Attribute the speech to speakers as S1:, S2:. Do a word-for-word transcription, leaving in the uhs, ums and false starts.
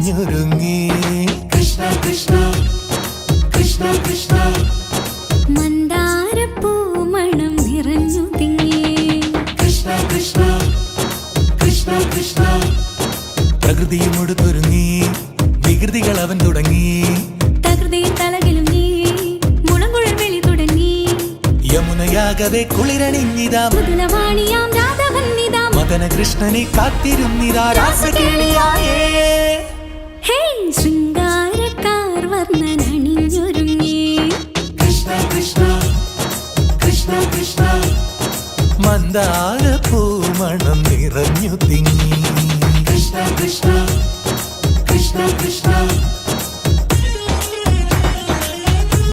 S1: അണിഞ്ഞൊരുങ്ങി.
S2: കൃഷ്ണ കൃഷ്ണ കൃഷ്ണ കൃഷ്ണ
S3: മന്ദാരപ്പൂ മണം നിറഞ്ഞു തിങ്ങി.
S2: കൃഷ്ണ കൃഷ്ണ കൃഷ്ണ കൃഷ്ണ
S1: പ്രകൃതിയും ഒടുത്തൊരുങ്ങി, വികൃതികൾ അവൻ തുടങ്ങി.
S3: തകൃതിയിൽ തലകിലും നീ മുളങ്കുഴൽ വിളി തുടങ്ങി.
S1: യമുനയാകവെ കുളിരണിഞ്ഞിതാ,
S3: മുതലവാണിയാം രാധവന്നിതാ.
S1: മദന കൃഷ്ണനെ കാത്തിരുന്നിതാ രാസകേളിയായേ.
S3: ഹേ ശൃംഗാരക്കാർ വർണ്ണനണിഞ്ഞൊരുങ്ങി.
S2: കൃഷ്ണ കൃഷ്ണ കൃഷ്ണ കൃഷ്ണ
S1: മന്ദാരപ്പൂ മണം നിറഞ്ഞു തിങ്ങി.
S2: കൃഷ്ണ കൃഷ്ണ കൃഷ്ണ കൃഷ്ണ